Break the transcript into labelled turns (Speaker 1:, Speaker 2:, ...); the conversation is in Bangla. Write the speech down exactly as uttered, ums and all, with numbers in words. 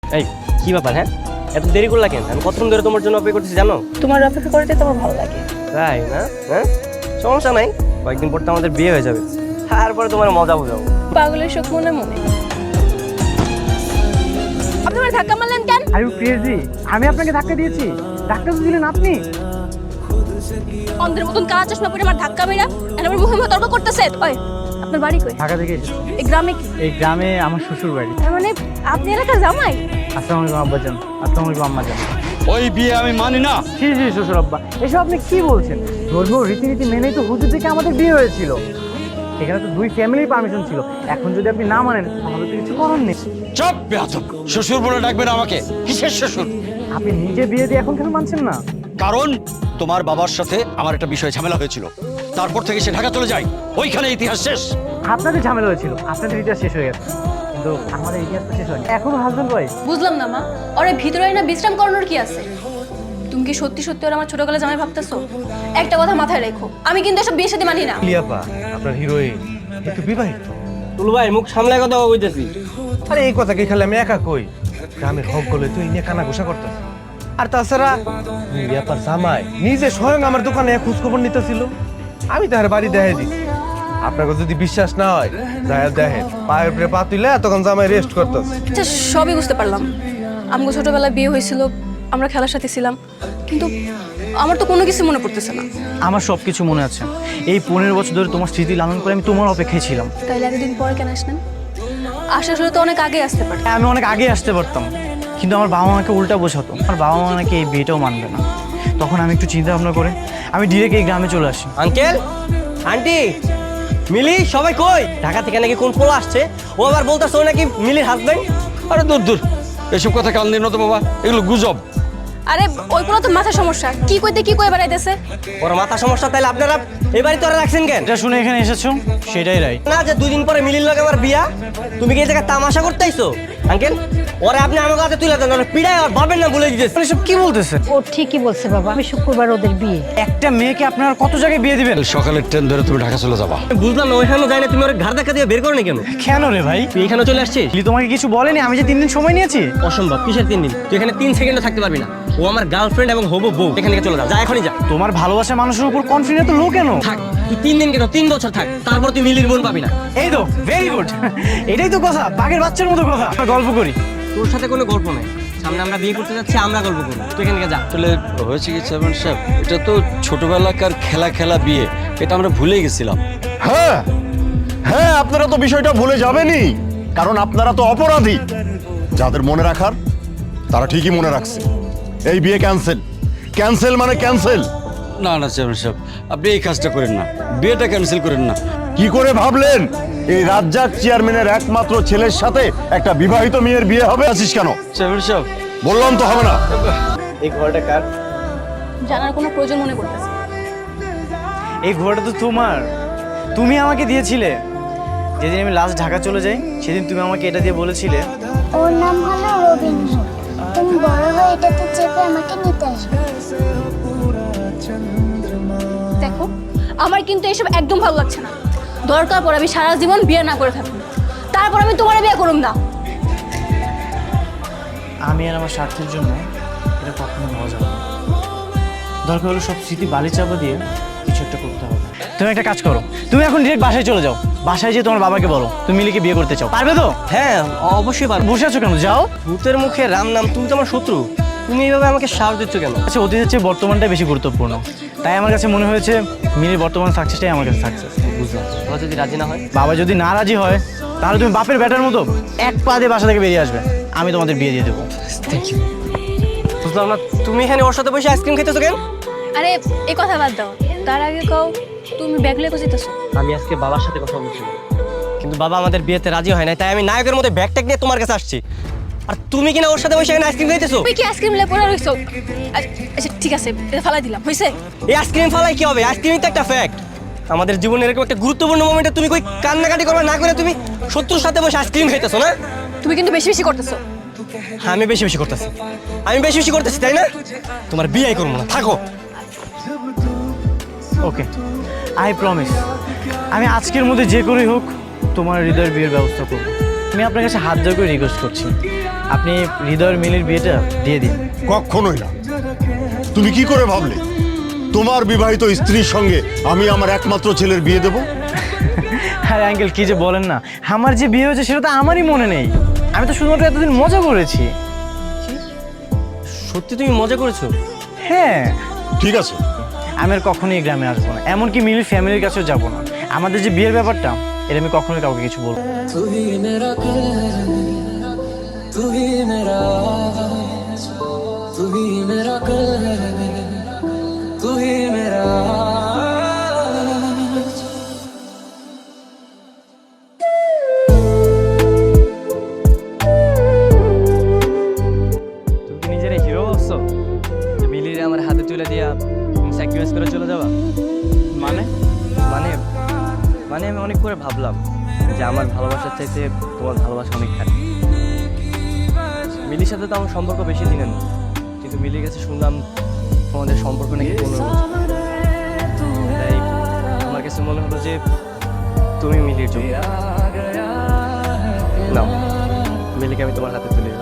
Speaker 1: এই কি ব্যাপার? হ্যাঁ, এত দেরি করলা কেন? আমি কতক্ষণ ধরে তোমার জন্য অপেক্ষা করতেছি জানো?
Speaker 2: তোমার অপেক্ষা করতে তোমার ভালো লাগে।
Speaker 1: তাই না? হ্যাঁ, সমস্যা নাই, কয়েকদিন পর তো আমাদের বিয়ে হয়ে যাবে, তারপরে তোমার মজা বোঝাবো।
Speaker 2: পাগলের শোক মনে মনে। আপনি আমার ধাক্কা মারলেন কেন?
Speaker 3: Are you crazy? আমি আপনাকে ধাক্কা দিয়েছি? ধাক্কা তো দিলেন আপনি।
Speaker 2: অন্ধের মতন কালা চশমা পরে আমার ধাক্কা মেরা আর আমার মুখে মুখে তর্ক করতেছে। ওই আপনার বাড়ি কই?
Speaker 3: ঢাকা থেকে এসেছি।
Speaker 2: এই গ্রামে কি?
Speaker 3: এই গ্রামে আমার শ্বশুর বাড়ি।
Speaker 2: তার মানে আপনি এলাকার জামাই?
Speaker 3: আসসালামু আলাইকুম আব্বাজান। আসসালামু আলাইকুম আম্মাজান।
Speaker 4: ওই বিয়ে আমি মানি না।
Speaker 3: জি জি শ্বশুর আব্বা, এসব আপনি কি বলছেন? ধর্মীয় রীতিনীতি মেনেই তো হুজুর থেকে আমাদের বিয়ে হয়েছিল। এখানে তো দুই ফ্যামিলির পারমিশন ছিল। এখন যদি আপনি না মানেন তাহলে তো কিছু করার নেই।
Speaker 4: চুপ বেয়াদব, শ্বশুর বলে ডাকবেন আমাকে। কিসের শ্বশুর?
Speaker 3: আপনি নিজে বিয়ে দিয়ে এখন কেন মানছেন না?
Speaker 4: কারণ তোমার বাবার সাথে আমার একটা বিষয় ঝামেলা হয়েছিল, তারপর থেকে সে ঢাকা চলে যায়, ওইখানে ইতিহাস শেষ।
Speaker 3: আপনাদের ঝামেলা হয়েছিল, আপনাদের ইতিহাস শেষ হয়ে গেছে, কিন্তু আমাদের ইতিহাস তো শেষ হয়নি। এখনো হাজবেন্ড ওয়াইফ।
Speaker 2: বুঝলাম না মা, ওরে ভিতরে না বিশ্রাম করানোর কি আছে? তুমি কি সত্যি সত্যি ওরা আমার ছোটবেলা জামাই ভাবতেছো? একটা কথা মাথায় রেখো, আমি কিন্তু এসব বিয়ের সাথে মানি না।
Speaker 5: লিয়াপা আপনার হিরোইন একটু বিবাহিত।
Speaker 1: তুলু ভাই, মুখ সামলায় কথা কইতেছি।
Speaker 5: আরে এই কথা কি খালি আমি একা কই? গ্রামের হক গলে তুই নিয়ে কানা ঘোষা করতেছ। আর তাছাড়া লিয়াপার জামাই নিজে স্বয়ং আমার দোকানে খোঁজ খবর নিতেছিল, আমি তার বাড়ি দেখাই দিছি। আপনাকে যদি বিশ্বাস না হয় যায় দেখেন, পায়ের উপরে পা তুলে তখন জামাই রেস্ট করতেছে।
Speaker 2: আচ্ছা সবই বুঝতে পারলাম, আমগো ছোটবেলায় বিয়ে হয়েছিল, আমরা খেলার সাথে ছিলাম, কিন্তু আমার তো কোনো কিছু মনে পড়তেছে না।
Speaker 3: আমার সব কিছু মনে আছে। এই পনেরো বছর ধরে তোমার স্মৃতি লালন করে আমি তোমার অপেক্ষায় ছিলাম।
Speaker 2: তাইলে এতদিন পরে কেন আসলেন? আসার হলে তো অনেক আগে আসতে পারত।
Speaker 3: আমি অনেক আগে আসতে পারতাম, কিন্তু আমার বাবা মাকে উল্টা বোঝাতো। আমার বাবা মা নাকি এই বিয়েটাও মানবে না। তখন আমি একটু চিন্তা ভাবনা করে আমি ডিরেক্ট এই গ্রামে চলে আসি।
Speaker 1: আঙ্কেল, আন্টি, মিলি, সবাই কই? ঢাকা থেকে নাকি কোন পোলা আসছে, ও আবার বলতেছে ও নাকি মিলির হাজবেন্ড।
Speaker 4: আরে দূর দূর, এসব কথা কাল নিন না তো বাবা, এগুলো গুজব।
Speaker 2: আরে ওই কোনো তো মাথা সমস্যা, কি কইতে কি কই বেড়াইতেছে।
Speaker 1: ওর মাথা সমস্যা, তাইলে আপনারা এবারই তোরা রাখছেন কেন?
Speaker 3: এটা শুনে এখানে এসেছো, সেটাই রাইট।
Speaker 1: না যে দুই দিন পরে মিলির লগে আমার বিয়া, তুমি কি এই জায়গায় তামাশা করতে আইছো? আঙ্কেল, ওরে আপনি আমার কাছে তুলে দেন, ওরে পিড়ায় আর ভাবেন না বলে দিতেছে।
Speaker 3: এসব কি বলতেছে?
Speaker 6: ও ঠিকই বলছে বাবা, আমি শুক্রবার ওদের বিয়ে।
Speaker 3: একটা মেয়েকে আপনারা কত জায়গায় বিয়ে দিবেন?
Speaker 4: সকালের ট্রেন ধরে তুমি ঢাকা চলে যাবা।
Speaker 1: বুঝলাম না, ওইখানে যাই না, তুমি ওর ঘাড় ধাক্কা দিয়ে বের করো না কেন?
Speaker 3: কেন রে ভাই?
Speaker 1: তুই এখানে চলে আসছিস?
Speaker 3: লিলি তোমাকে কিছু বলেনি? আমি যে তিন দিন সময় নিয়েছি।
Speaker 1: অসম্ভব। কিসের তিন দিন? তুই এখানে তিন সেকেন্ডও থাকতে পারবি না। ও আমার গার্লফ্রেন্ড এবং হবু বউ। এখান থেকে চলে যা, যা এখনই যা।
Speaker 3: তোমার ভালোবাসা মানুষের উপর কনফিডেন্স তো লো কেন?
Speaker 1: থাক, তুই তিন দিন কেন, তিন বছর থাক, তারপর তুই মিলির বোন পাবি না।
Speaker 3: এই তো ভেরি গুড, এটাই তো কথা, বাঘের বাচ্চার মতো কথা। আমরা গল্প করি।
Speaker 1: তোর সাথে কোনো গল্প নেই, সামনে আমরা বিয়ে করতে যাচ্ছি, আমরা গল্প করি। তুই এখান থেকে যা।
Speaker 4: আসলে হয়েছে কি চেয়ারম্যান সাহেব, এটা তো ছোটবেলাকার খেলা খেলা বিয়ে, এটা আমরা ভুলে গেছিলাম।
Speaker 7: হ্যাঁ হ্যাঁ আপনারা তো বিষয়টা ভুলে যাবেনই, কারণ আপনারা তো অপরাধী। যাদের মনে রাখার তারা ঠিকই মনে রাখছে। এই বিয়ে ক্যান্সেল, ক্যান্সেল মানে ক্যান্সেল।
Speaker 4: না না চেয়ারম্যান সাহেব, আপনি এই কাজটা করেন না, বিয়েটা ক্যান্সেল করেন না।
Speaker 7: কি করে ভাবলেন এই রাজ্জাক চেয়ারম্যানের একমাত্র ছেলের সাথে একটা বিবাহিত মেয়ের বিয়ে হবে? আছিস কেন?
Speaker 4: চেয়ারম্যান সাহেব,
Speaker 7: বললাম তো হবে না।
Speaker 1: এই ঘরটা কার?
Speaker 2: জানার কোনো প্রয়োজন মনে করতেছে।
Speaker 3: এই ঘোড়াটা তো তোমার, তুমি আমাকে দিয়েছিলে। যেদিন আমি লাস্ট ঢাকা চলে যাই সেদিন তুমি আমাকে এটা দিয়ে বলেছিলে
Speaker 8: ওর নাম হলো রবীন্দ্র, তুমি বড় হয়ে এটাতে চেপে আমাকে নিতে আসবে।
Speaker 2: দেখো, আমার কিন্তু এসব একদম ভালো লাগছে না। দরকার পড়ে আমি সারা জীবন বিয়ে না করে থাকবো, তারপর আমি তোমার বিয়ে করুম না।
Speaker 3: আমি আর আমার স্বার্থের জন্য এটা কখনো হওয়া যাবে না। দরকার হলো সব স্মৃতি বালি চাপা দিয়ে কিছু একটা করতে হবে। তুমি একটা কাজ করো, তুমি এখন ডিরেক্ট বাসায় চলে যাও। বাসায় যেয়ে তোমার বাবাকে বলো তুমি মিলিকে বিয়ে করতে চাও। পারবে তো?
Speaker 1: হ্যাঁ অবশ্যই পারবো।
Speaker 3: বসে আছো কেন? যাও।
Speaker 1: ভূতের মুখে রাম নাম, তুমি তো আমার শত্রু, তুমি এইভাবে আমাকে সাহস দিচ্ছ কেন?
Speaker 3: আচ্ছা, অতীতের চেয়ে বর্তমানটাই বেশি গুরুত্বপূর্ণ। তাই আমার কাছে মনে হয়েছে মিলির বর্তমান সাকসেসটাই আমার কাছে সাকসেস।
Speaker 1: বুঝলাম, বাবা যদি রাজি না হয়?
Speaker 3: বাবা যদি না রাজি হয় তাহলে তুমি বাপের ব্যাটার মতো এক পা দিয়ে বাসা থেকে বেরিয়ে আসবে, আমি তোমাদের বিয়ে দিয়ে দেবো।
Speaker 1: Thank you. বুঝলাম না, তুমি এখানে ওর সাথে বসে আইসক্রিম খেতেছো কেন?
Speaker 2: আরে এই কথা বাদ দাও, তার আগে কও তুমি ব্যাগ লেগে যেতেছো।
Speaker 1: আমি আজকে বাবার সাথে কথা বলছি, কিন্তু বাবা আমাদের বিয়েতে রাজি হয় না, তাই আমি নায়কের মধ্যে ব্যাগ ট্যাগ নিয়ে তোমার কাছে আসছি। আর তুমি কিনা ওর সাথে বসে এখানে আইসক্রিম খাইতেছো?
Speaker 2: তুই কি আইসক্রিম লে পড়ে রইছো? আচ্ছা ঠিক আছে, এটা ফালাই দিলাম, হইছে?
Speaker 1: এই আইসক্রিম ফালাই কি হবে? আইসক্রিমই তো একটা ফ্যাক্ট। আমাদের জীবনের এরকম একটা গুরুত্বপূর্ণ মোমেন্টে তুমি কই কান্নাকাটি করবে না করে তুমি শত্রুর সাথে বসে আইসক্রিম খাইতেছো না?
Speaker 2: তুমি কিন্তু বেশি বেশি করতেছো।
Speaker 1: হ্যাঁ, আমি বেশি বেশি করতেছি, আমি বেশি বেশি করতেছি, তাই না? তোমার বিয়ে করবো না, থাকো।
Speaker 3: ওকে, আই প্রমিস, আমি আজকের মধ্যে যে করেই হোক তোমার হৃদয়ের বিয়ের ব্যবস্থা করবো। আমি আমি আপনার কাছে হাত ধরে করে রিকোয়েস্ট করছি, আপনি হৃদয়ের মিলির বিয়েটা দিয়ে দিন।
Speaker 7: কখনোই না। তুমি কি করে ভাবলে তোমার বিবাহিত স্ত্রীর সঙ্গে আমি আমার একমাত্র ছেলের বিয়ে দেব?
Speaker 3: আরে আঙ্কেল কি যে বলেন না, আমার যে বিয়ে হয়েছে সেটা তো আমারই মনে নেই। আমি তো শুধুমাত্র এতদিন মজা করেছি।
Speaker 1: সত্যি তুমি মজা করেছো?
Speaker 3: হ্যাঁ,
Speaker 7: ঠিক আছে,
Speaker 3: আমি আর কখনোই এই গ্রামে আসবো না, এমনকি মিলির ফ্যামিলির কাছেও যাবো না। আমাদের যে বিয়ের ব্যাপারটা, এটা আমি কখনোই কাউকে কিছু বলবো না।
Speaker 9: तू ही मेरा कल है, तू ही मेरा आज, तू ही मेरा कल है, तू ही मेरा आज।
Speaker 1: তুমি কি নিজের হিরো ভাবছো যে মিলির আমার হাতে তুলে দিয়া তুমি স্যাক্রিফাইস করে চলে যাবা?
Speaker 3: মানে
Speaker 1: মানে মানে আমি অনেক করে ভাবলাম যে আমার ভালোবাসার চাইতে তোমার ভালোবাসা অনেক খারাপ। মিলির সাথে তো আমার সম্পর্ক বেশি দিনের না, কিন্তু মিলির কাছে শুনলাম তোমাদের সম্পর্ক নাকি পনেরো বছর। তাই আমার কাছে মনে হলো যে তুমি মিলির জন্য নাও, মিলিকে আমি তোমার হাতে তুলে দিলাম।